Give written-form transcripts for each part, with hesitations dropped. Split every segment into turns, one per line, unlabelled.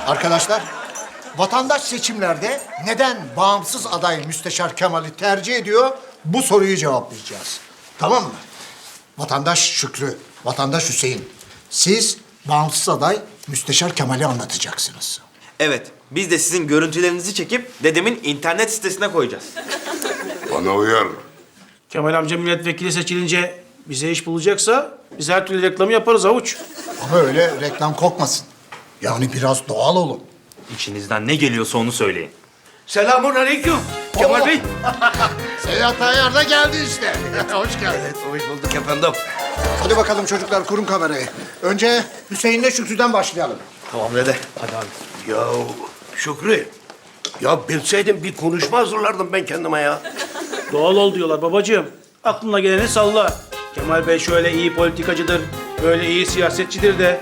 Arkadaşlar, vatandaş seçimlerde neden bağımsız aday Müsteşar Kemal'i tercih ediyor? Bu soruyu cevaplayacağız. Tamam mı? Vatandaş Şükrü, vatandaş Hüseyin. Siz bağımsız aday Müsteşar Kemal'i anlatacaksınız.
Evet, biz de sizin görüntülerinizi çekip dedemin internet sitesine koyacağız.
Bana uyar.
Kemal amca milletvekili seçilince bize iş bulacaksa biz her türlü reklamı yaparız Havuç.
Ama öyle reklam kokmasın. Yani biraz doğal olun.
İçinizden ne geliyorsa onu söyleyin.
Selamun aleyküm Kemal Bey.
Seyahat Tayyar da geldi işte. Hoş geldin.
Evet, hoş bulduk efendim.
Hadi bakalım çocuklar, kurun kamerayı. Önce Hüseyin'le Şükrü'den başlayalım.
Tamam dede, hadi abi.
Ya Şükrü, ya bilseydim bir konuşma hazırlardım ben kendime ya.
Doğal ol diyorlar babacığım. Aklına geleni salla. Kemal Bey şöyle iyi politikacıdır, böyle iyi siyasetçidir de.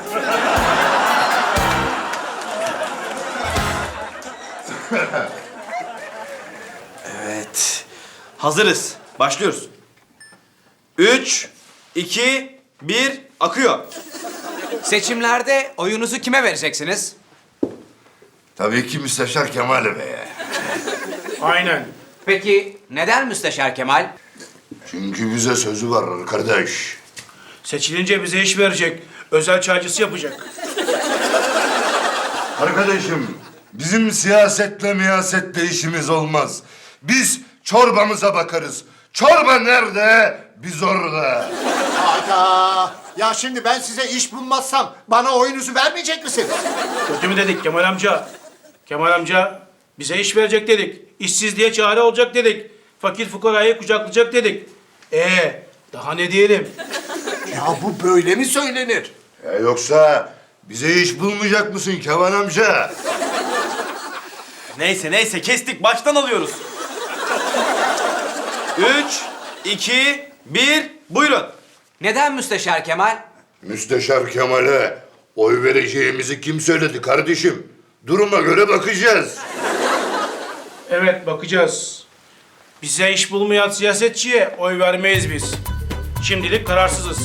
Evet, hazırız. Başlıyoruz. 3, 2, 1, akıyor.
Seçimlerde oyunuzu kime vereceksiniz?
Tabii ki Müsteşar Kemal Bey'e.
Aynen.
Peki neden Müsteşar Kemal?
Çünkü bize sözü var kardeş.
Seçilince bize iş verecek, özel çaycısı yapacak.
Arkadaşım, bizim siyasetle miyasetle işimiz olmaz. Biz çorbamıza bakarız. Çorba nerede? Biz orada.
Hayda! Ya şimdi ben size iş bulmazsam bana oyunuzu vermeyecek misiniz?
Kötü mü dedik Kemal amca? Kemal amca bize iş verecek dedik. İşsizliğe çare olacak dedik. Fakir fukarayı kucaklayacak dedik. Daha ne diyelim?
Ya bu böyle mi söylenir?
Yoksa bize iş bulmayacak mısın Kemal amca?
Neyse, kestik. Baştan alıyoruz. 3, 2, 1, buyurun.
Neden Müsteşar Kemal?
Müsteşar Kemal'e oy vereceğimizi kim söyledi kardeşim? Duruma göre bakacağız.
Evet, bakacağız. Bize iş bulmayan siyasetçiye oy vermeyiz biz. Şimdilik kararsızız.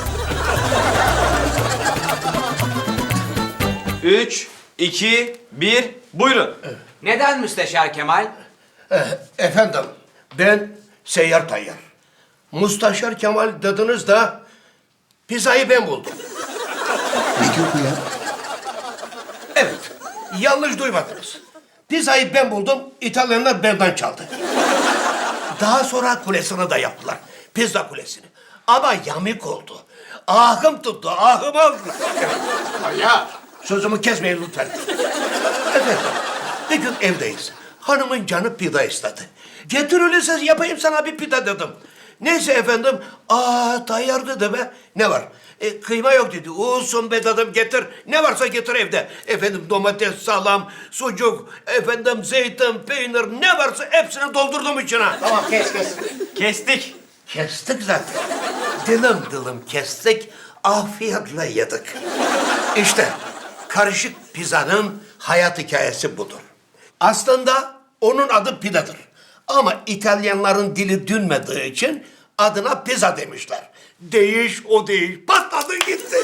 3, 2, 1, buyurun.
Neden Müsteşar Kemal?
Efendim, ben Seyyar Tayyar. Mustaşar Kemal dediniz da pizzayı ben buldum.
Ne diyor bu ya?
Evet, yanlış duymadınız. Pizzayı ben buldum, İtalyanlar benden çaldı. Daha sonra kulesini de yaptılar. Pizza kulesini. Ama yamuk oldu. Ahım tuttu, ahım aldılar.
Ya
Sözümü kesmeyin lütfen. Efendim, bir gün evdeyiz. Hanımın canı pida istedi. Getir öyleyse yapayım sana bir pida dedim. Neyse efendim, Tayyar dedi be. Ne var? Kıyma yok dedi. Olsun be dedim, getir. Ne varsa getir evde. Efendim domates, salam, sucuk, efendim zeytin, peynir ne varsa hepsini doldurdum içine.
tamam, kes.
Kestik.
Kestik zaten. Dilim kestik, afiyetle yedik. İşte karışık pizzanın hayat hikayesi budur. Aslında onun adı pidadır. Ama İtalyanların dili dönmediği için adına pizza demişler. Değiş o değil. Patladı gitti.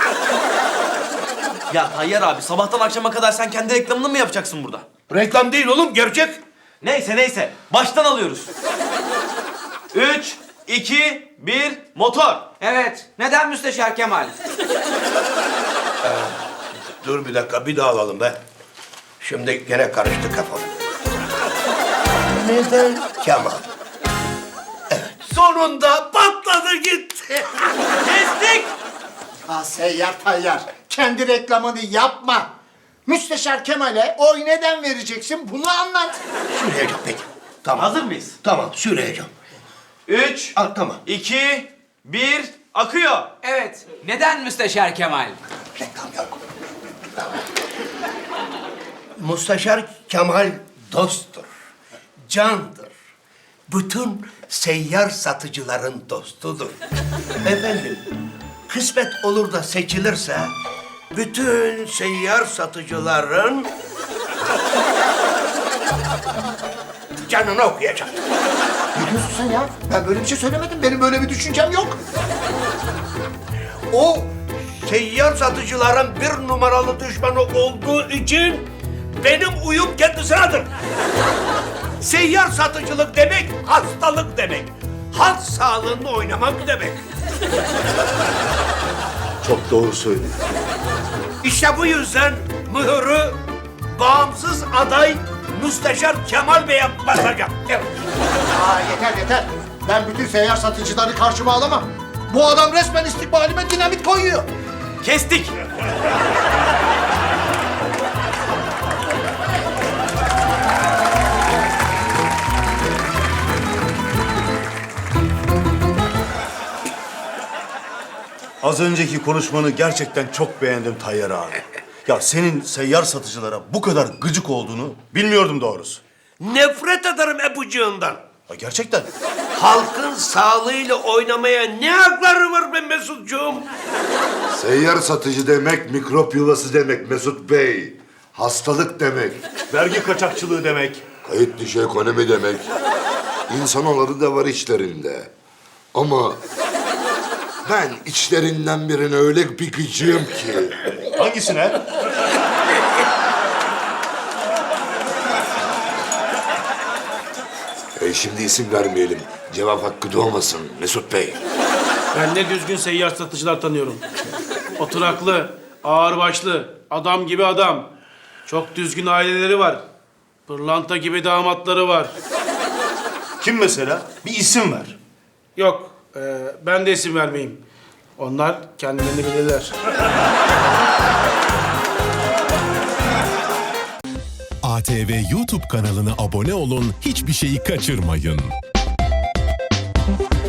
Ya Tayyar abi, sabahtan akşama kadar sen kendi reklamını mı yapacaksın burada?
Reklam değil oğlum, gerçek.
Neyse. Baştan alıyoruz. 3, 2, 1, motor.
Evet, neden Müsteşar Kemal?
Dur bir dakika, bir daha alalım be. Şimdi gene karıştı kafam. Neden Kemal? Evet, sonunda patladı gitti.
Kestik.
Seyyar Tayyar, kendi reklamını yapma. Müsteşar Kemal'e oy neden vereceksin, bunu anlat.
Söyleyeceğim peki. Tamam.
Hazır mıyız?
Tamam, söyleyeceğim.
3,
Tamam.
2, 1, akıyor.
Evet, neden Müsteşar Kemal?
Reklam yok.
Müsteşar Kemal dosttur, candır. Bütün seyyar satıcıların dostudur. Efendim, kısmet olur da seçilirse bütün seyyar satıcıların canını okuyacak.
Ne diyorsun sen ya? Ben böyle bir şey söylemedim. Benim böyle bir düşüncem yok. O
seyyar satıcıların bir numaralı düşmanı olduğu için benim uyum kendisinedir. Seyyar satıcılık demek hastalık demek. Halk sağlığını oynamak demek.
Çok doğru söylüyor.
İşte bu yüzden mühürü bağımsız aday Müsteşar Kemal Bey'e basacağım. Evet.
Yeter. Ben bütün seyyar satıcıları karşıma alamam. Bu adam resmen istikbalime dinamit koyuyor.
Kestik.
Az önceki konuşmanı gerçekten çok beğendim Tayyar abi. Ya senin seyyar satıcılara bu kadar gıcık olduğunu bilmiyordum doğrusu.
Nefret ederim ebucuğundan.
Ya gerçekten.
Halkın sağlığıyla oynamaya ne hakları var be Mesutcuğum?
Seyyar satıcı demek mikrop yuvası demek Mesut Bey. Hastalık demek.
Vergi kaçakçılığı demek.
Kayıt dışı ekonomi demek. İnsanoğlu da var içlerinde. Ama ben içlerinden birine öyle bir gıcığım ki.
Hangisine?
Şimdi isim vermeyelim. Cevap hakkı doğmasın Mesut Bey.
Ben ne düzgün seyyar satıcılar tanıyorum. Oturaklı, ağırbaşlı, adam gibi adam. Çok düzgün aileleri var. Pırlanta gibi damatları var.
Kim mesela? Bir isim ver.
Yok, ben de isim vermeyeyim. Onlar kendilerini bilirler.
ATV YouTube kanalına abone olun, hiçbir şeyi kaçırmayın.